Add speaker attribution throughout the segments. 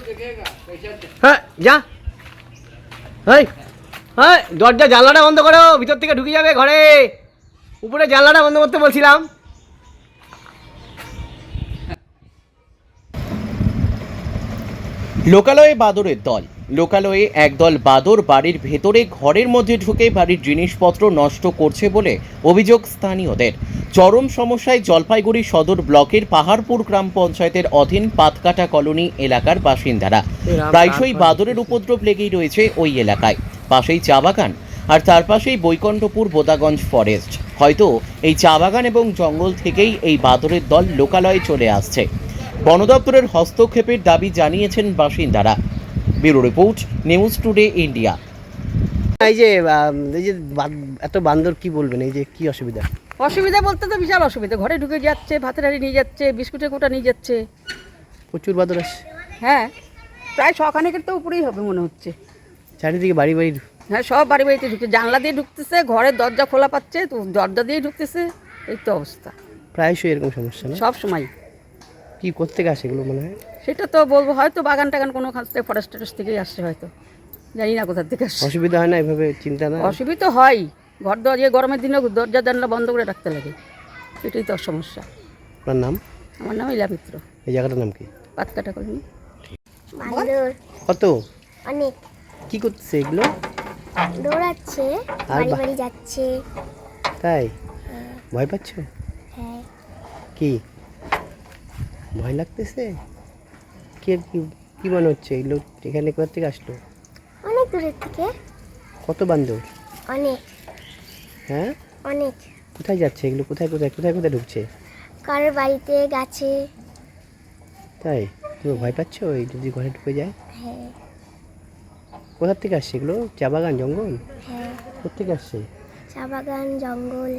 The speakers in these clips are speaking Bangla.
Speaker 1: হ্যাঁ যা, হ্যাঁ হ্যাঁ দরজা জানলাটা বন্ধ করো, ভিতর থেকে ঢুকে যাবে ঘরে। উপরে জানলাটা বন্ধ করতে বলছিলাম।
Speaker 2: লোকালয়ে বাদরের দল। লোকালয়ে একদল বাদর বাড়ির ভেতরে ঘরের মধ্যে ঢুকে বাড়ির জিনিসপত্র নষ্ট করছে বলে অভিযোগ স্থানীয়দের। চরম সমস্যায় জলপাইগুড়ি সদর ব্লকের পাহাড়পুর গ্রাম পঞ্চায়েতের অধীন পাতকাটা কলোনি এলাকার বাসিন্দারা। প্রায়শই বাদরের উপদ্রব লেগেই রয়েছে ওই এলাকায়। পাশেই চা বাগান, আর তার পাশেই বৈকুণ্ঠপুর বোদাগঞ্জ ফরেস্ট। হয়তো এই চা বাগান এবং জঙ্গল থেকেই এই বাদরের দল লোকালয়ে চলে আসছে। বন দপ্তরের হস্তক্ষেপের দাবি জানিয়েছেন বাসিন্দারা। Bureau report, News Today India.
Speaker 1: এই যে এত বান্দর, কি বলবেন, এই যে কি অসুবিধা?
Speaker 3: অসুবিধা বলতে তো বিশাল অসুবিধা, ঘরে ঢুকে যাচ্ছে, ভাতের হাঁড়ি নিয়ে যাচ্ছে, বিস্কুটের কোটা নিয়ে যাচ্ছে।
Speaker 1: প্রচুর বান্দর আসছে।
Speaker 3: হ্যাঁ, প্রায় শখানেকের তো উপরেই হবে মনে হচ্ছে।
Speaker 1: চারিদিকে বাড়ি বাড়ি।
Speaker 3: হ্যাঁ, সব বাড়ি বাড়িতে ঢুকছে, জানলা দিয়ে ঢুকতেছে, ঘরের দরজা খোলা পাচ্ছে তো দরজা দিয়েই ঢুকতেছে। এই তো অবস্থা,
Speaker 1: প্রায়শই এরকম সমস্যা না?
Speaker 3: সব সময়।
Speaker 1: কি করতে আসে এগুলো মনে হয়?
Speaker 3: সেটা তো বলবো, হয়তো বাগান টাগান কোনো কাছ থেকে ফরেস্ট টরেস্ট থেকেই আসছে, হয়তো জানি না কোথার থেকে আসছে।
Speaker 1: অসুবিধা হয় না এভাবে? চিন্তা না?
Speaker 3: অসুবিধা হয়, ঘর দরজা গরমের দিনে দরজা জানলা বন্ধ করে রাখতে লাগে, এটাই তো সমস্যা।
Speaker 1: আপনার নাম?
Speaker 3: আমার নাম ইলা মিত্র।
Speaker 1: এই জায়গাটার নাম কি?
Speaker 3: পাতকাটা কলোনি।
Speaker 1: কত?
Speaker 4: অনেক।
Speaker 1: কি করতেছে এগুলো?
Speaker 4: দৌড়াচ্ছে,
Speaker 1: আর
Speaker 4: বাড়ি বাড়ি যাচ্ছে।
Speaker 1: তাই? ভয় পাচ্ছ?
Speaker 4: হ্যাঁ।
Speaker 1: কি ভয় লাগতেছে? কি কি মনে হচ্ছে এগুলো এখানে কোথা থেকে আসলো?
Speaker 4: অনেক দূরের থেকে।
Speaker 1: কত বান্দর?
Speaker 4: অনেক।
Speaker 1: হ্যাঁ,
Speaker 4: অনেক।
Speaker 1: কোথায় যাচ্ছে এগুলো? কোথায় কোথায় কোথায় কোথায় ঢুকছে?
Speaker 4: কারোর বাড়িতে, গাছে।
Speaker 1: তাই? তুমি ভয় পাচ্ছ এই যদি ঘরে ঢুকে যায়?
Speaker 4: হ্যাঁ।
Speaker 1: কোথা থেকে আসছে এগুলো? চা বাগান, জঙ্গল?
Speaker 4: হ্যাঁ,
Speaker 1: কোথেকে আসছে?
Speaker 4: চা বাগান, জঙ্গল।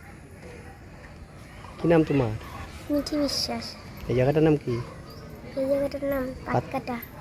Speaker 1: কি নাম তোমার?
Speaker 4: মিঠি বিশ্বাস।
Speaker 1: এই জায়গাটার নাম কি?
Speaker 4: এই জায়গাটার নাম পাতকাটা।